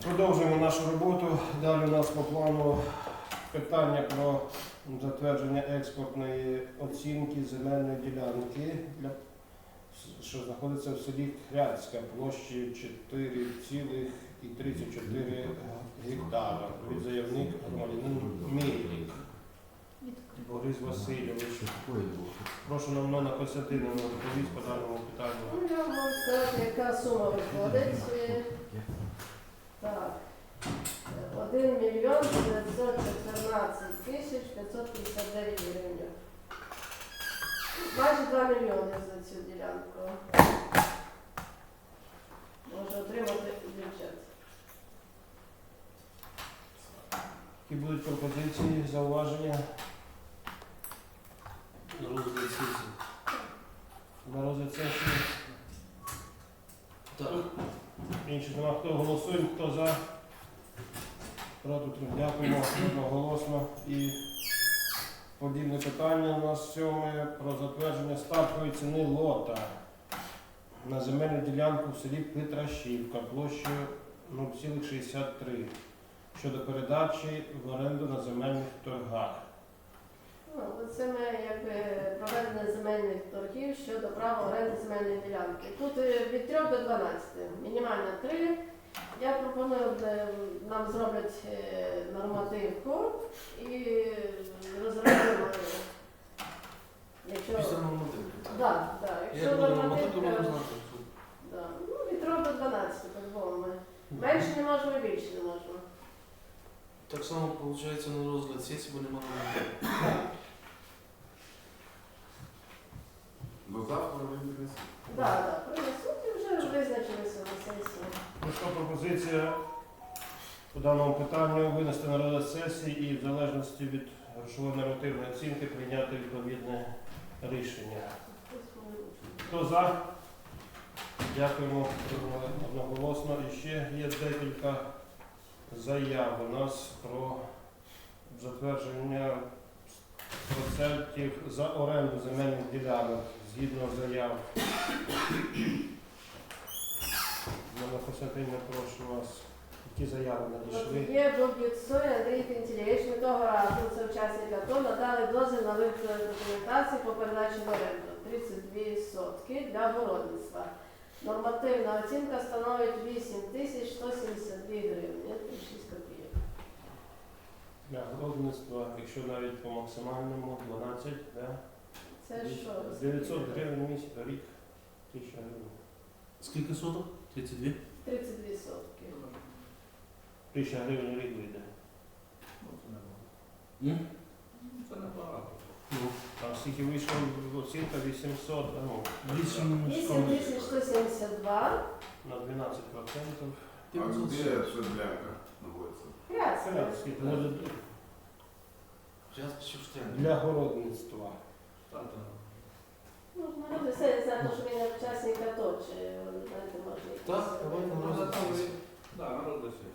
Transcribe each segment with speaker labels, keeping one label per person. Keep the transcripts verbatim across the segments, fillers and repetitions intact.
Speaker 1: Продовжуємо нашу роботу. Далі у нас по плану питання про затвердження експортної оцінки земельної ділянки, для, що знаходиться в селі Хряцька, площею чотири цілих тридцять чотири гектара. Від заявник громадянин Мельник Борис Васильович. Прошу нам Нона Костянтинівна доповість по даному питанню.
Speaker 2: Ну, я можу сказати, яка сума виходить. Так. один мільйон дев'ятсот чотирнадцять тисяч п'ятсот п'ятдесят дев'ять гривень. Майже два мільйони за цю ділянку. Може отримати бюджет.
Speaker 1: Які будуть пропозиції, зауваження?
Speaker 3: На розгляд сесії.
Speaker 1: На розгляд сесії.
Speaker 3: Так.
Speaker 1: Інших нема. Хто голосує, хто за? Проти. Дякуємо одноголосно. І подібне питання у нас сьоме про затвердження стартової ціни лота на земельну ділянку в селі Петрашівка площею нуль цілих шістдесят три щодо передачі в оренду на земельних торгах.
Speaker 2: Ну, це ми якби проведення земельних торгів щодо права оренди земельної ділянки. Тут е, від трьох до дванадцяти, мінімально три. Я пропоную, е, нам зроблять е, нормативку і розробимо. Якщо...
Speaker 3: Після нормативки.
Speaker 2: Да, да. Якщо
Speaker 3: Як буде нормативка,
Speaker 2: нормативка,
Speaker 3: можна знати.
Speaker 2: да. Ну, від трьох до дванадцяти, по-любому ми. Менше не можемо, більше не можемо.
Speaker 3: Так само, виходить, на розгляд сесії, бо немає нормативки.
Speaker 4: До завтра вибереться.
Speaker 2: Так, так, принесуть і вже визначилися на сесії.
Speaker 1: Прийшла пропозиція по даному питанню винести на розгляд сесії і в залежності від грошової нормативної оцінки прийняти відповідне рішення. Хто за? Дякуємо одноголосно. І ще є декілька заяв у нас про затвердження процентів за оренду земельних ділянок згідно заяв. Мене Костянтинівна, прошу вас, які заяви надійшли?
Speaker 2: Є Боб'юцой Андрій Пентілєвич. Ми того разу, це учасник АТО, надали дозвіл на виготовлення документації по передачі в оренду тридцять дві сотки для городництва. Нормативна оцінка становить вісім тисяч сто сімдесят дві гривні, шість копійок.
Speaker 1: Для городництва, якщо навіть по максимальному дванадцять, да?
Speaker 2: Це що?
Speaker 1: дев'ятсот гривень в місяць, рік, тисяча гривень.
Speaker 3: Скільки соток? тридцять дві?
Speaker 2: тридцять дві сотки.
Speaker 1: Тисяча гривень в рік вийде.
Speaker 3: М?
Speaker 4: Це небагато.
Speaker 3: Ну,
Speaker 1: А скільки вийшло оцінка вісімсот, а ну,
Speaker 3: вісім
Speaker 2: вісім тисяч сто сімдесят два.
Speaker 1: на дванадцять процентів.
Speaker 4: А где эта ділянка знаходиться?
Speaker 2: Ясно.
Speaker 1: Скільки буде
Speaker 3: Зараз ще встигне.
Speaker 1: для городництва.
Speaker 2: Ну, народи все, не знаю, що він учасник АТО, чи, знаєте, може якісь...
Speaker 3: Так, давайте на розгляд сесії.
Speaker 4: Да, народ досить.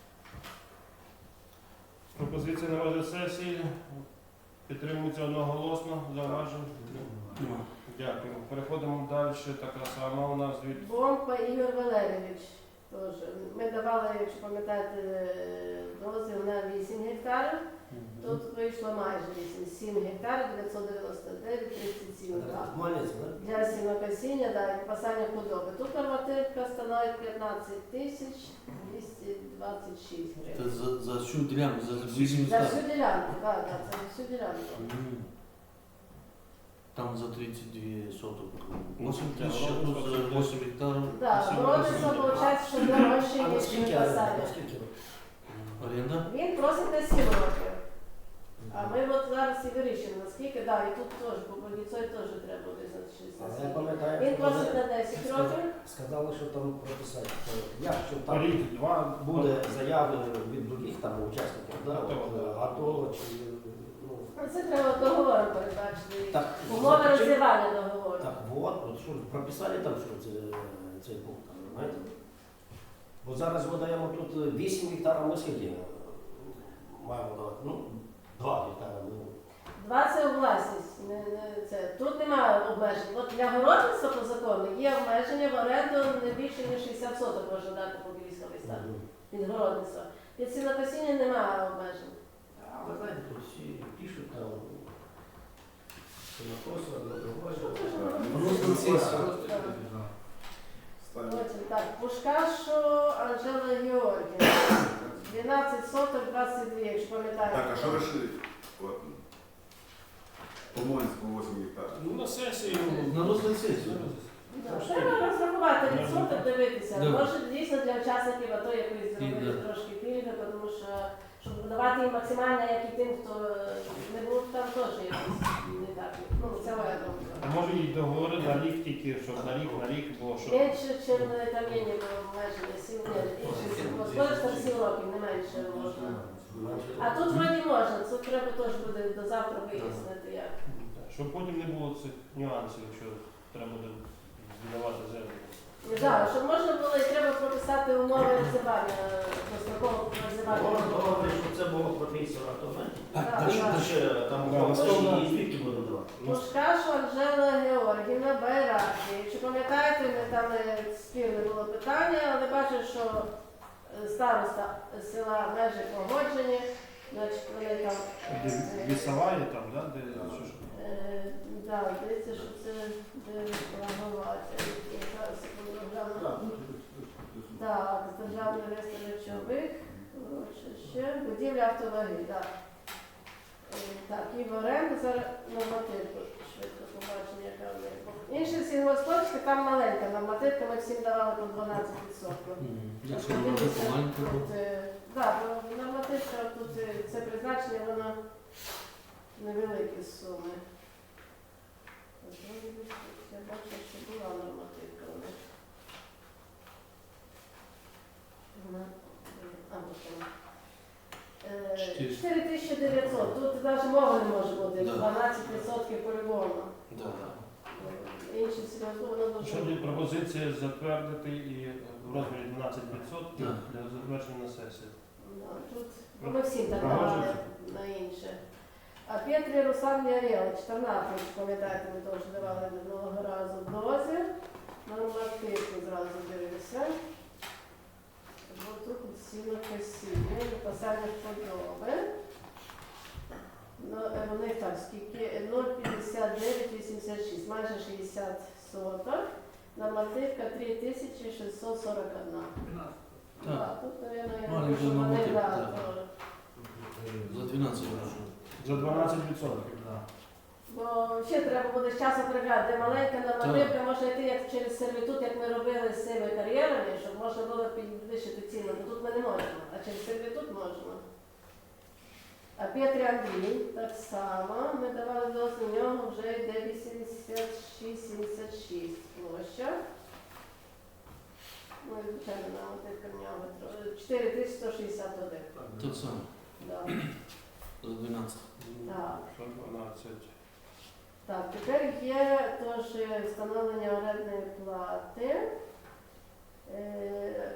Speaker 1: Пропозиція на розгляд сесії підтримується одноголосно, зауважень.
Speaker 3: Нема.
Speaker 1: Дякую. Переходимо далі. Така сама у нас від
Speaker 2: Бомба Ігор Валерійович. Теж. Ми давали, якщо пам'ятаєте, дозвіл на вісім гектарів. Тут вийшло майже вісім, сім гектарів, дев'ятсот дев'яносто дев'ять, тридцять сім гектарів. Для сінокосіння, да, і випасання худоби. Тут нормативка становить п'ятнадцять тисяч двісті двадцять шість
Speaker 3: Це
Speaker 2: гривень.
Speaker 3: за, за всю ділянку, за вісім
Speaker 2: За
Speaker 3: гектарів.
Speaker 2: всю ділянку, так, так, це всю ділянку.
Speaker 3: М. Там за тридцять дві соток.
Speaker 1: Ну,
Speaker 3: вісім
Speaker 1: для
Speaker 3: тисяч, а тут
Speaker 1: городництва
Speaker 3: за вісім гектарів.
Speaker 2: Так,
Speaker 1: Сім
Speaker 2: городництво,
Speaker 1: гектарів.
Speaker 2: виходить, що дорожче,
Speaker 5: А
Speaker 2: ніж
Speaker 5: наскільки
Speaker 2: випасання.
Speaker 5: оренда? Наскільки?
Speaker 3: Оренда?
Speaker 2: Він просить на сім років. А ми от зараз і вирішимо, наскільки, да, і тут теж, по Богіцой теж треба визначитися.
Speaker 5: А я
Speaker 2: наскільки.
Speaker 5: пам'ятаю,
Speaker 2: Він
Speaker 5: що
Speaker 2: просить
Speaker 5: вони
Speaker 2: на десять років.
Speaker 5: сказали, що там прописати, що якщо там
Speaker 1: рік, два,
Speaker 5: буде заяви від других там учасників, да,
Speaker 1: АТО,
Speaker 5: от,
Speaker 1: да.
Speaker 5: АТО чи ну
Speaker 2: Ну, це треба договором передбачити.
Speaker 5: так
Speaker 2: Умови
Speaker 5: чи-
Speaker 2: розірвання договору.
Speaker 5: Так от, от що прописали там, що це цей пункт, там, знаєте? Бо зараз ми даємо тут вісім гектарів, ми скільки маємо давати? Ну, два гектари. Ну,
Speaker 2: Два це у власність. Не, не, це. Тут немає обмежень. От для городництва по закону є обмеження в оренду не більше, ніж шістдесят соток можна дати по Білійському стану.
Speaker 5: мгм.
Speaker 2: під городництво. Під сінокосіння немає обмежень.
Speaker 5: А ви знаєте, тут всі пишуть там, сінокоси, однодругої.
Speaker 3: Розгляд сесії.
Speaker 4: Ставлю.
Speaker 2: Потім так, Пушкашу Анжела Георгіївна. дванадцять соток двадцять два, якщо пам'ятаєте.
Speaker 4: Так, а що решили? От. По-моєму, вісім гектарів.
Speaker 1: Ну, на сесії.
Speaker 3: На розгляд сесії.
Speaker 2: Да, Треба розрахувати відсоток, дивитися.
Speaker 3: Да.
Speaker 2: Може дійсно для учасників АТО якось зробити
Speaker 3: Пільга.
Speaker 2: трошки пільги, тому що щоб давати їм максимально, як і тим, хто не був там теж якось не так. Ну, це моя
Speaker 1: А
Speaker 2: думка.
Speaker 1: може і договори на рік тільки, щоб на рік, на рік, бо що.
Speaker 2: Менше, чим там є ніби обмеження, сім років. Господарство сім років, не менше можна. А тут вроді можна, тут треба теж буде до завтра вияснити як.
Speaker 1: Щоб потім не було цих нюансів, якщо треба буде здавати землю.
Speaker 2: Так, щоб можна було і треба прописати умови роззивання, дострокового роззивання.
Speaker 5: Головне, щоб це було прописано, то знаєте.
Speaker 3: Так,
Speaker 2: Так,
Speaker 3: дальше,
Speaker 2: так.
Speaker 3: дальше.
Speaker 5: Ще там
Speaker 1: Да,
Speaker 5: гроші
Speaker 1: наступна-
Speaker 5: і звідки будемо давати.
Speaker 2: Пушкашу Анжела Георгівна Байраки. Якщо пам'ятаєте, ми там е, спірне було питання, але бачу, що е, староста села межі погоджені, значить вони там.
Speaker 1: Де Лісова є там, да? Де, що ж?
Speaker 2: Е, да, здається, що це де Лаговаця. Зараз секунду гляну. Так, з державний реєстр речових, ще будівля автоваги, так. Е, Так, і в оренду зараз нормативку швидко побачення, яка в них. Інші сільгосподарські, там маленька нормативка, ми всім давали по дванадцять відсотків.
Speaker 3: Якщо вона буде маленька, то
Speaker 2: Так, бо нормативка тут е, це призначення, воно невеликі суми. Я бачу, що була нормативка у них. Вона, а, ось вона. Е,
Speaker 3: Чотири.
Speaker 2: чотири тисячі дев'ятсот. Тут навіть мови не може бути.
Speaker 3: Да.
Speaker 2: дванадцять відсотків по-любому.
Speaker 3: да, да.
Speaker 2: Е, Інші сільгоспи, воно дуже.
Speaker 1: Що є пропозиція затвердити і е, в розмірі дванадцять відсотків
Speaker 3: Так.
Speaker 1: для затвердження на сесії.
Speaker 2: Да, тут ну, ми всім так давали
Speaker 1: Погоджується?
Speaker 2: на інше. А Петрі Руслан Ярєла, чотирнадцять, пам'ятаєте, ми теж давали минулого разу дозвіл. Нормативку зразу дивимося. Бо тут сіло косіння, написання подоби. Ну, е, вони так, скільки? нуль п'ятдесят дев'ять вісімдесят шість, майже шістдесят соток. Нормативка три тисячі шістсот сорок один.
Speaker 3: Так.
Speaker 2: Так, тут, мабуть, я
Speaker 3: Маленька
Speaker 2: думаю, що вони,
Speaker 3: нормативка,
Speaker 2: да,
Speaker 3: так.
Speaker 2: то-
Speaker 3: За дванадцять грошей.
Speaker 1: За дванадцять відсотків.
Speaker 2: Бо ще треба буде з часу приглядати, де маленька нормативка може йти як через сервітут, як ми робили з цими кар'єрами, щоб можна було підвищити ціну. Бо тут ми не можемо, а через сервітут можемо. А Петрі Андрій так само. Ми давали дозвіл, у нього вже йде вісімдесят шість сімдесят шість площа. Ну, і звичайно, нормативка в нього тро- чотири тисячі сто шістдесят один.
Speaker 3: Так само.
Speaker 2: Да.
Speaker 3: За дванадцять.
Speaker 2: Так.
Speaker 1: Що дванадцять.
Speaker 2: Так, тепер є теж встановлення орендної плати. Е,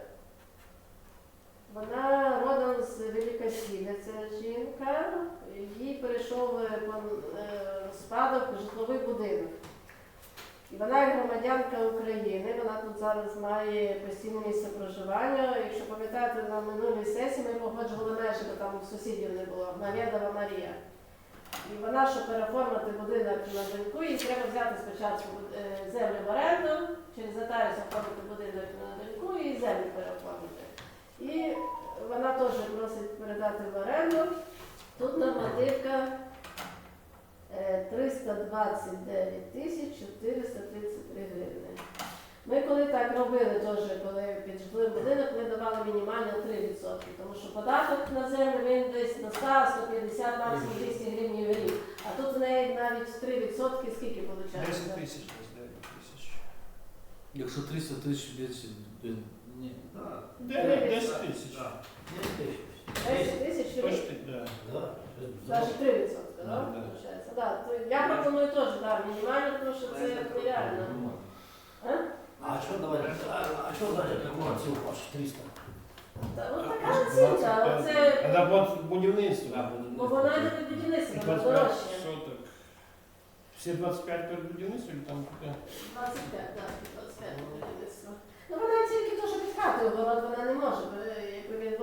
Speaker 2: Вона родом з Великосілля, це жінка, їй перейшов е, пон- е, в спадок житловий будинок. І вона як громадянка України, вона тут зараз має постійне місце проживання. Якщо пам'ятаєте, на минулій сесії ми погоджували межі, бо там сусідів не було, Навєдова Марія. І вона, щоб переоформити будинок на доньку, їй треба взяти спочатку е, землю в оренду, через нотаріус оформити будинок на доньку і землю переоформити. І вона теж просить передати в оренду. Тут нормативка е, триста двадцять дев'ять тисяч чотириста тридцять три гривні. Ми коли так робили, теж, коли під житловий будинок, ми давали мінімально три відсотки, тому що податок на землю він десь на сто сто п'ятдесят, максимум двісті гривень в рік. А тут в неї навіть три відсотки, скільки виходить?
Speaker 1: десять тисяч, десь дев'ять тисяч.
Speaker 3: Якщо триста тисяч б'ється, ні.
Speaker 1: дев'ять десять тисяч.
Speaker 2: десять тисяч в рік.
Speaker 1: Почти, да.
Speaker 2: Навіть три відсотки,
Speaker 1: Да,
Speaker 2: так?
Speaker 1: да.
Speaker 2: Получається. Да, то я пропоную теж да, мінімально, тому що це нереально. А?
Speaker 5: А що давайте, а, а що далі такого цього ваш триста?
Speaker 2: Та, ну, така оцінка, але це,
Speaker 1: Це от будівництво.
Speaker 2: бо вона йде під будівництво, вона
Speaker 1: двадцять п'ять
Speaker 2: дорожче.
Speaker 1: соток. Всі двадцять п'ять перед будівництвом чи там таке?
Speaker 2: двадцять п'ять, так, двадцять п'ять будівництво. Ну вона тільки то, що під хатою город, вона не може, бо якби він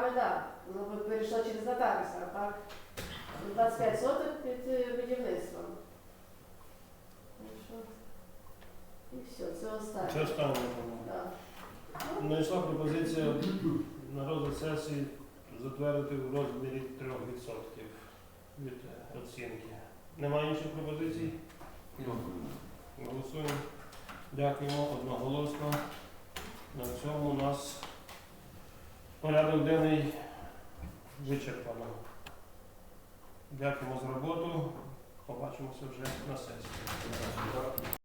Speaker 2: нами, так. Ну, ви перейшло через нотаріуса, а так. двадцять п'ять соток під е, будівництвом. Так що, і все, це останнє.
Speaker 1: Це останнє, по-моєму.
Speaker 2: Да.
Speaker 1: Надійшла пропозиція на розгляд сесії затвердити в розмірі трьох відсотків від оцінки. Немає інших пропозицій? Голосуємо. Дякуємо одноголосно. На цьому у нас порядок денний вичерпано. Дякуємо за роботу. Побачимося вже на сесії.